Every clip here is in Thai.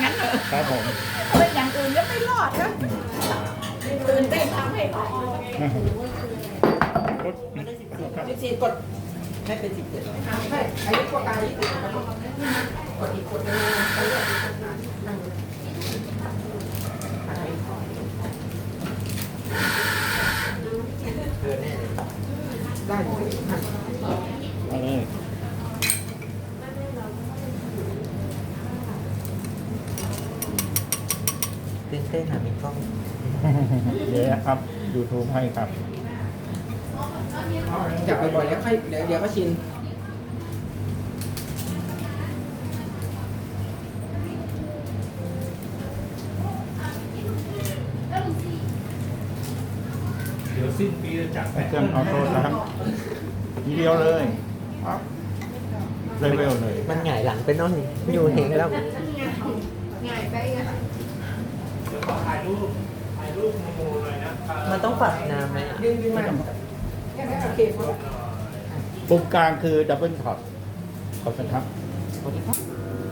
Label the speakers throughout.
Speaker 1: งั้นเถอะ
Speaker 2: ครับผม
Speaker 1: เป็นอย่างอื่นก็ไม่รอดนะตื่นเต้นทำให้พอ
Speaker 3: 14กดให้เป็น17ใช่อายุกว่ากาย20กดอีกกดนึงไปเรื่อยนั่งได้เลย
Speaker 2: เอาเลย
Speaker 3: ตื่นเต้นหามีกล้อง
Speaker 2: เดี๋ยวครับ YouTube ให้ครับ
Speaker 3: จับบ่อยๆแล้วค่อยเดี๋ยวก็ชิน
Speaker 4: เดี๋ยวสิ้นปีจะจัดไป
Speaker 2: เครื่องออโต้นะครับทีเดียวเลยปั๊บเร็วๆเลย
Speaker 3: มันหงายหลังไปโน่นอยู่เองแล้ว
Speaker 1: ง่ายไปไง
Speaker 4: เดี๋ยวขอถ่ายรูปโมหน่อยนะครับ
Speaker 3: มันต้องปรับน้ำไหมดึงมาแค่นั้นโอเคพอ
Speaker 2: ปุ่มกลางคือดับเบิลท็อปขอบคุณครับ
Speaker 3: สวัสดีครับ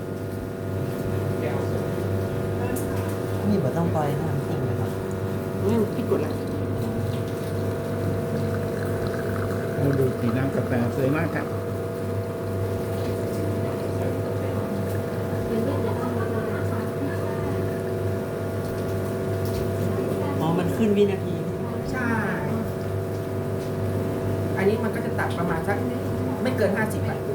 Speaker 3: นี่มันต้องปล่อยน้ำจริงไหมครับพี่กดแล้ว
Speaker 2: เราดูสีน้ำกาแฟสวยมากครับ
Speaker 3: อ๋อมันขึ้นวินาที
Speaker 5: ใช่ อันนี้มันก็จะตัดประมาณสักไม่เกิน 50 บาท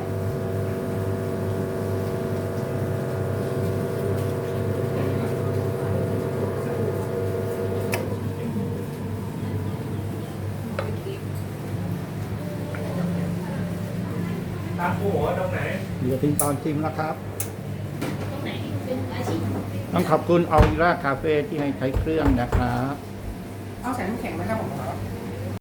Speaker 4: ตามหัวตรงไหน
Speaker 2: เหลือทิ้งตอนชิมแล้วครับ ต้องขอบคุณออริราคาเฟ่ที่ให้ใช้เครื่องนะครับ
Speaker 5: เอาใส่น้ำแข็งไหมครับผม